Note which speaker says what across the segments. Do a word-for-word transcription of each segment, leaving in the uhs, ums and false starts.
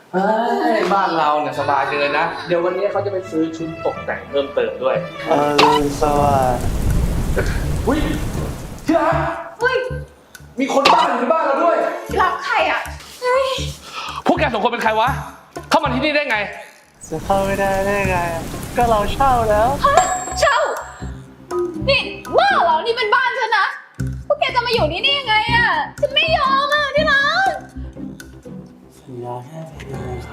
Speaker 1: เฮ้ยบ้านเราเนี่ยสบายจังเลยนะเดี๋ยววันนี้เขาจะไปซื้อชุดตกแต่งเพิ่มเติมด้วย
Speaker 2: อรุณสวัสดิ์
Speaker 1: อุ้ยที่รัก
Speaker 3: เฮ้ย
Speaker 1: มีคนบ้าอยู่ในบ้านเราด้วย
Speaker 3: รับใครอ่ะเฮ้ย
Speaker 1: พวกแกสองคนเป็นใครวะเข้ามาที่นี่ได้ไง
Speaker 2: จะเข้าไม่ได้ได้ไงอะก็เราเช่าแล้ว
Speaker 3: ฮะเช่านี่บ้าเหรอนี่เป็นบ้านฉันนะพวกแกจะมาอยู่นี่ได้ยังไงอ่ะฉันไม่ยอมอ่ะที่รัก
Speaker 2: สัญญาแค่เพียงครับ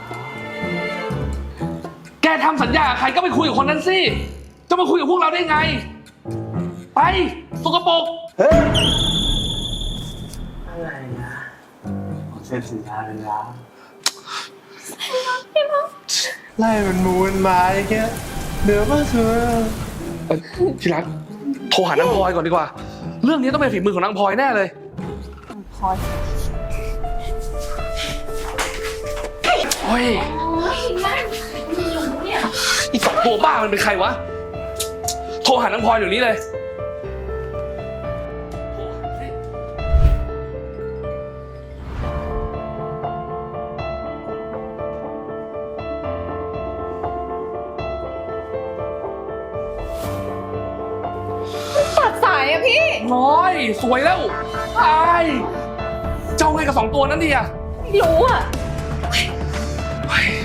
Speaker 1: แกทำสัญญากับใครก็ไปคุยกับคนนั้นสิจะมาคุยกับพวกเราได้ไงไปสกปรก
Speaker 2: เฮ้ยอะไรนะผมเซ็นสัญญาไปแล้วไล่มันมูนมาอย่างเงี้ยเหนือบ้านสุด
Speaker 1: เอ่อที่รักโทรหานางพลอยก่อนดีกว่า เรื่องนี้ต้องเป็นฝีมือของนางพลอยแน่เลย
Speaker 3: พอย
Speaker 1: โอ้ย
Speaker 3: โอ้ยนั่นมีอยู่เนี่ย
Speaker 1: อีสองตัวบ้ามันเป็นใครวะโทรหานางพลอยเดี๋ยวนี้เลยโทรหาสิ
Speaker 3: ตัดสายอ่ะพี่
Speaker 1: น้อยสวยแล้วไอ้เจ้าไงกับสองตัวนั้นดีอะ
Speaker 3: ไม่รู้อ่ะ
Speaker 1: เฮ้ย